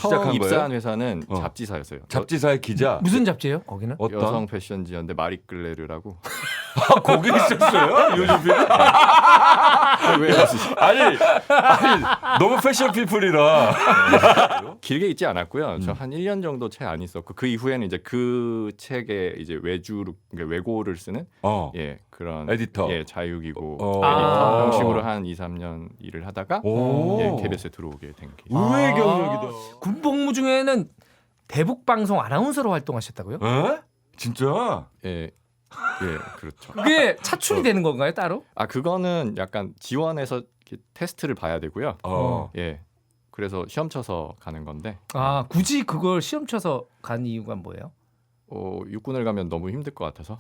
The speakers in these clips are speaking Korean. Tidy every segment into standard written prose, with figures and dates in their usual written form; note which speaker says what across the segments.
Speaker 1: 시작한
Speaker 2: 입사한
Speaker 1: 거예요?
Speaker 2: 회사는 잡지사였어요.
Speaker 1: 잡지사의 기자.
Speaker 3: 무슨 잡지예요? 거기는?
Speaker 1: 어떤?
Speaker 2: 여성 패션지였는데 마리끌레르라고.
Speaker 1: 거기 있었어요? 요즘 필
Speaker 2: 왜
Speaker 1: 아니 너무 패션 피플이라.
Speaker 2: 길게 있지 않았고요. 저 한 1년 정도 채 안 있었고 그 이후에는 이제 그 책에 이제 외주로 그러니까 외고를 쓰는 예 그런
Speaker 1: 에디터.
Speaker 2: 예 자유기고
Speaker 1: 아.
Speaker 2: 에디터 형식으로 한 2, 3년 일을 하다가
Speaker 1: 오.
Speaker 2: 예, KBS에 들어오게 된 케이스.
Speaker 1: 의외의 경력이다.
Speaker 3: 군복무 중에는 대북 방송 아나운서로 활동하셨다고요?
Speaker 1: 에? 진짜?
Speaker 2: 예, 그렇죠.
Speaker 3: 그게 차출이 되는 건가요, 따로?
Speaker 2: 아 그거는 약간 지원해서 이렇게 테스트를 봐야 되고요. 예, 그래서 시험 쳐서 가는 건데.
Speaker 3: 아, 굳이 그걸 시험 쳐서 간 이유가 뭐예요?
Speaker 2: 육군을 가면 너무 힘들 것 같아서.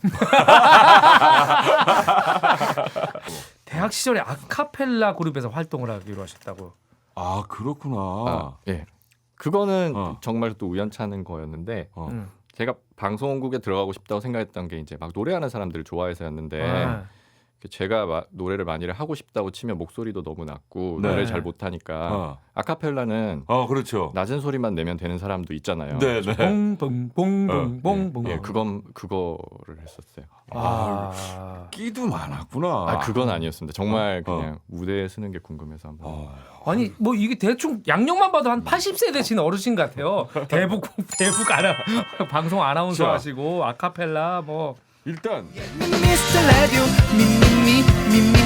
Speaker 3: 대학 시절에 아카펠라 그룹에서 활동을 하기로 하셨다고.
Speaker 1: 아 그렇구나.
Speaker 2: 예. 그거는
Speaker 1: 어.
Speaker 2: 정말 또 우연찮은 거였는데
Speaker 3: 음.
Speaker 2: 제가 방송국에 들어가고 싶다고 생각했던 게 이제 막 노래하는 사람들을 좋아해서였는데
Speaker 3: 아.
Speaker 2: 제가 노래를 많이 하고 싶다고 치면 목소리도 너무 낮고
Speaker 1: 네.
Speaker 2: 노래를 잘 못하니까 아카펠라는
Speaker 1: 그렇죠.
Speaker 2: 낮은 소리만 내면 되는 사람도 있잖아요.
Speaker 1: 네, 네.
Speaker 3: 봉봉봉봉봉봉.
Speaker 2: 예, 그거를 했었어요.
Speaker 3: 아.
Speaker 1: 끼도 많았구나.
Speaker 2: 아, 그건 아니었습니다. 정말 그냥 무대에 서는 게 궁금해서 한번.
Speaker 3: 아니 뭐 이게 대충 양력만 봐도 한 80세 되신 어르신 같아요. 대북 방송 아나운서
Speaker 1: 자.
Speaker 3: 하시고 아카펠라 뭐
Speaker 1: 일단
Speaker 4: Mr. Radio, me, me, me, me,